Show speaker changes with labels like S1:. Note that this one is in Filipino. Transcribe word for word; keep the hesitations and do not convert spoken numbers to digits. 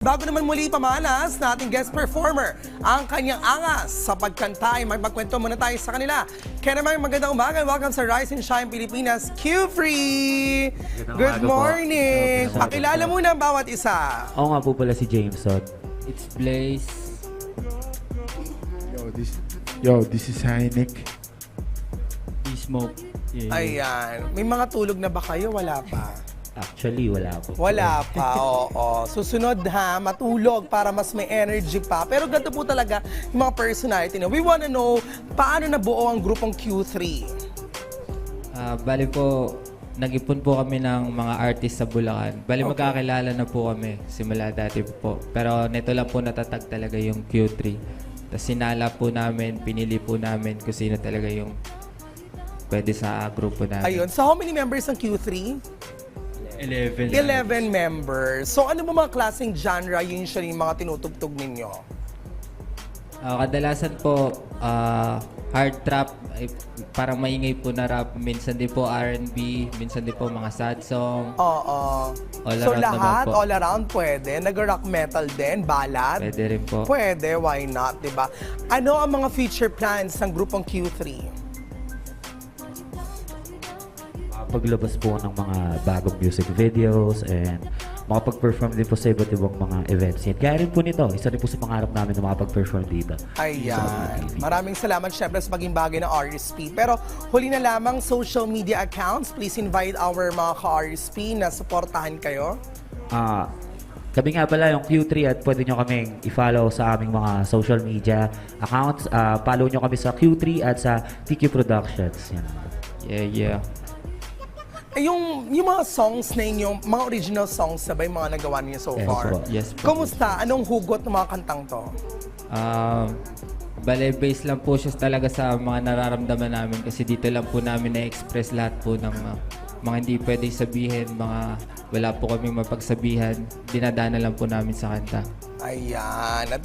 S1: bago naman muli pamalas na ating guest performer ang kanyang angas sa pagkanta ay magpagkwento muna tayo sa kanila. Kaya naman magandang umaga. Welcome sa Rise and Shine Pilipinas Q-Free! Good morning! Pakilala muna ang bawat isa.
S2: Ako nga po pala si Jameson.
S3: It's Blaze.
S4: Yo, this Yo, this is Heineck.
S3: D-Smoke. Yeah.
S1: Ayan. May mga tulog na ba kayo? Wala pa.
S2: Actually, wala po.
S1: Wala pa, oo. Susunod ha, matulog para mas may energy pa. Pero ganito po talaga yung mga personality na. We wanna know, paano nabuo ang grupong Q three?
S3: Ah, bali po, nag-ipon po kami ng mga artist sa Bulacan. Bali
S1: Okay.
S3: magkakilala na po kami simula dati po. Pero nito lang po natatag talaga yung Q three. Tapos sinala po namin, pinili po namin kung sino talaga yung pwede sa grupo namin.
S1: Ayun. So how many members ng Q three?
S3: eleven.
S1: eleven members. So ano mo mga klaseng genre usually yung mga tinutugtog ninyo?
S3: Ah, kadalasan po, ah, hard trap, ay, parang maingay po na rap. Minsan din po R and B, minsan din po mga sad song.
S1: Oo.
S3: All
S1: So
S3: around naman
S1: lahat,
S3: po.
S1: all around pwede. Nag-rock metal din, ballad.
S3: Pwede rin po.
S1: Pwede, why not, di ba? Ano ang mga future plans ng grupong Q three?
S2: Paglabas po ng mga bagong music videos and makapag-perform din po sa iba't ibang mga events. Yan. Kaya rin po nito, isa rin po sa pangarap namin na makapag-perform dito.
S1: Ayan. Maraming salamat syempre sa maging bagay ng R S P. Pero huli na lamang, social media accounts. Please invite our mga ka-R S P na supportahan kayo.
S2: Ah, kami nga pala yung Q three at pwede nyo kaming i-follow sa aming mga social media accounts. Ah, follow nyo kami sa Q three at sa T Q Productions. Yan.
S3: Yeah, yeah.
S1: Eh, yung, yung mga songs na inyo, mga original songs na ba yung mga nagawa niyo so
S2: Yes
S1: far?
S2: po.
S3: Yes po.
S1: Kumusta? Anong hugot ng mga kantang to?
S3: Um, bale, base lang po siya talaga sa mga nararamdaman namin kasi dito lang po namin na-express lahat po ng uh, mga hindi pwedeng sabihin, mga wala po kaming mapagsabihan, dinadana lang po namin sa kanta.
S1: Ayan. At